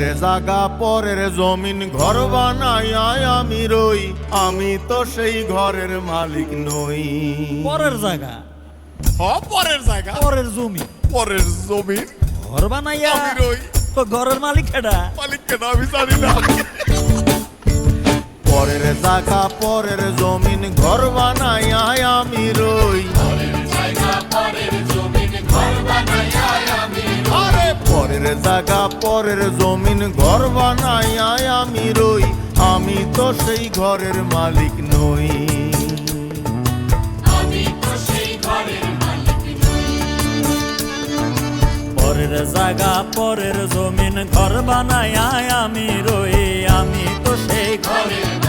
জাগা পরের জমিন ঘর বানাইয়া আমি রই, আমি তো সেই ঘরের মালিক নই। পরের জায়গা, পরের জায়গা, পরের জমি, পরের জমি ঘর বানাইয়া আমি রই, তো ঘরের মালিক কেডা? মালিক কেন আমি জানি না। পরের জাগা পরের জমিন ঘর বানাইয়া আমি রই, আরে পরের জাগা পরের জমিন ঘর বানাইয়া আমি রই, আমি তো সেই ঘরের মালিক নই। পরের জায়গা পরের জমিন ঘর বানাইয়া আমি রই, আমি তো সেই ঘরের